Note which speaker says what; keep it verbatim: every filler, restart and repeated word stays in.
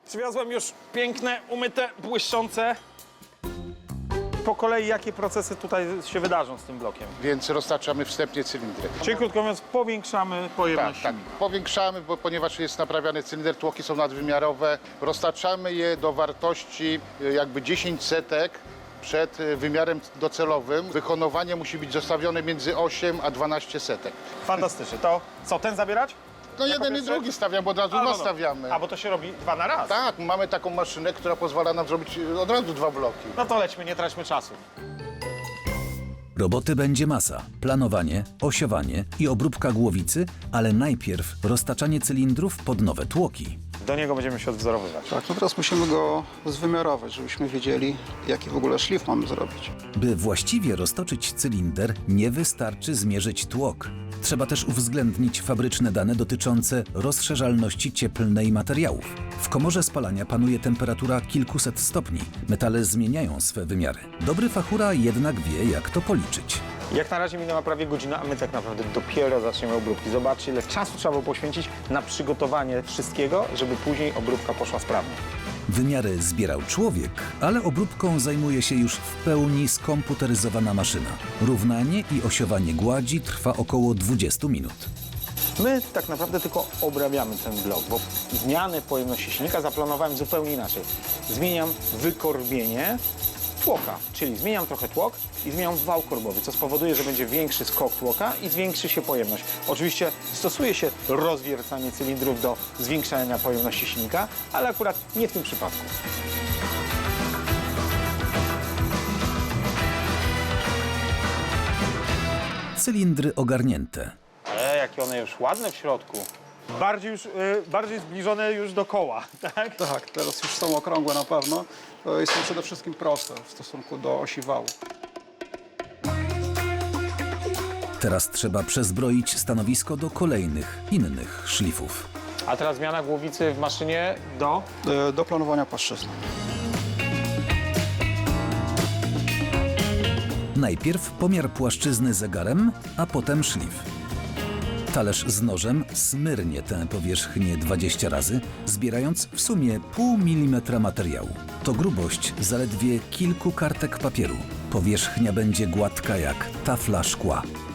Speaker 1: Przywiozłem już piękne, umyte, błyszczące. Po kolei jakie procesy tutaj się wydarzą z tym blokiem?
Speaker 2: Więc roztaczamy wstępnie cylindry.
Speaker 1: Czyli krótko mówiąc, powiększamy pojemność
Speaker 2: Tak, tak. Powiększamy, bo ponieważ jest naprawiany cylinder, tłoki są nadwymiarowe. Roztaczamy je do wartości y, jakby dziesięć setek przed y, wymiarem docelowym. Wyhonowanie musi być zostawione między osiem a dwanaście setek.
Speaker 1: Fantastycznie. To co, ten zabierać?
Speaker 2: No
Speaker 1: Jako
Speaker 2: jeden i
Speaker 1: pierwszy?
Speaker 2: drugi stawiam, bo od razu
Speaker 1: A, no,
Speaker 2: dwa
Speaker 1: no.
Speaker 2: stawiamy.
Speaker 1: A, bo to się robi dwa na raz.
Speaker 2: Tak, mamy taką maszynę, która pozwala nam zrobić y, od razu dwa bloki.
Speaker 1: No to lećmy, nie traćmy czasu.
Speaker 3: Roboty będzie masa. Planowanie, osiowanie i obróbka głowicy, ale najpierw roztaczanie cylindrów pod nowe tłoki.
Speaker 1: Do niego będziemy się odwzorowywać.
Speaker 4: Tak, no teraz musimy go zwymiarować, żebyśmy wiedzieli, jaki w ogóle szlif mamy zrobić.
Speaker 3: By właściwie roztoczyć cylinder, nie wystarczy zmierzyć tłok. Trzeba też uwzględnić fabryczne dane dotyczące rozszerzalności cieplnej materiałów. W komorze spalania panuje temperatura kilkuset stopni. Metale zmieniają swe wymiary. Dobry fachura jednak wie, jak to policzyć.
Speaker 1: Jak na razie minęła prawie godzina, a my tak naprawdę dopiero zaczniemy obróbki. Zobaczcie, ile czasu trzeba było poświęcić na przygotowanie wszystkiego, żeby później obróbka poszła sprawnie.
Speaker 3: Wymiary zbierał człowiek, ale obróbką zajmuje się już w pełni skomputeryzowana maszyna. Równanie i osiowanie gładzi trwa około dwadzieścia minut.
Speaker 1: My tak naprawdę tylko obrabiamy ten blok, bo zmianę pojemności silnika zaplanowałem zupełnie inaczej. Zmieniam wykorbienie tłoka, czyli zmieniam trochę tłok i zmieniam wał korbowy, co spowoduje, że będzie większy skok tłoka i zwiększy się pojemność. Oczywiście stosuje się rozwiercanie cylindrów do zwiększania pojemności silnika, ale akurat nie w tym przypadku.
Speaker 3: Cylindry ogarnięte.
Speaker 1: E, jakie one już ładne w środku. Bardziej już, y, bardziej zbliżone już do koła, tak?
Speaker 4: Tak, teraz już są okrągłe na pewno e, i są przede wszystkim proste w stosunku do osi wału.
Speaker 3: Teraz trzeba przezbroić stanowisko do kolejnych, innych szlifów.
Speaker 1: A teraz zmiana głowicy w maszynie do...
Speaker 4: E, Do planowania płaszczyzny.
Speaker 3: Najpierw pomiar płaszczyzny zegarem, a potem szlif. Talerz z nożem smyrnie tę powierzchnię dwadzieścia razy, zbierając w sumie pół milimetra materiału. To grubość zaledwie kilku kartek papieru. Powierzchnia będzie gładka jak tafla szkła.